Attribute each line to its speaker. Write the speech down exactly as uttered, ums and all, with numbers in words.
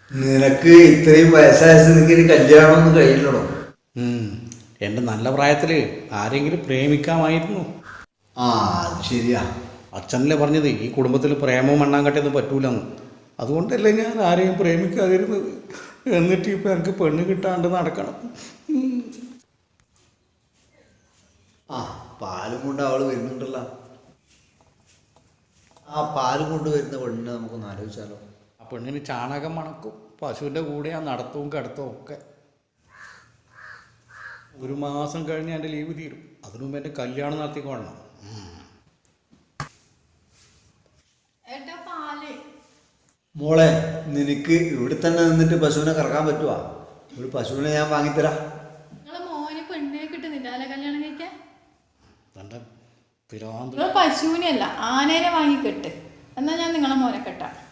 Speaker 1: നിനക്ക് ഇത്രയും വയസ്സായ സ്ഥിതിക്ക് കല്യാണമൊന്നും കഴിയില്ലടോ.
Speaker 2: എൻ്റെ നല്ല പ്രായത്തിൽ ആരെങ്കിലും പ്രേമിക്കാമായിരുന്നു.
Speaker 1: ആ അത് ശരിയാ.
Speaker 2: അച്ഛനല്ലേ പറഞ്ഞത് ഈ കുടുംബത്തിൽ പ്രേമവും മണ്ണാങ്കട്ടയൊന്നും പറ്റൂലെന്ന്. അതുകൊണ്ടല്ലേ ഞാൻ ആരെയും പ്രേമിക്കാതിരുന്നത്. എന്നിട്ട് ഇപ്പം എനിക്ക് പെണ്ണ് കിട്ടാണ്ട് നടക്കണം.
Speaker 1: ആ പാലും കൊണ്ട് അവൾ വരുന്നുണ്ടല്ലോ. ആ പാലും കൊണ്ട് വരുന്ന പെണ്ണിനെ നമുക്കൊന്ന് ആലോചിച്ചാലോ.
Speaker 2: ആ പെണ്ണിന് ചാണകം മണക്കും, പശുവിൻ്റെ കൂടെ ആ നടത്തവും കിടത്തവും ഒക്കെ. ഒരു മാസം കഴിഞ്ഞ് എൻ്റെ ലീവ് തീരും. അതിനു മുമ്പ് എൻ്റെ കല്യാണം നടത്തിക്കൊള്ളണം.
Speaker 1: മോളെ, നിനക്ക് ഇവിടെ തന്നെ നിന്നിട്ട് പശുവിനെ കറക്കാൻ പറ്റുവാ? ഒരു പശുവിനെ ഞാൻ വാങ്ങിത്തരാം.
Speaker 3: പശുവിനെ അല്ല, ആനേനെ വാങ്ങി കെട്ട്. എന്നാ ഞാൻ നിങ്ങളെ മോനെ കെട്ടാം.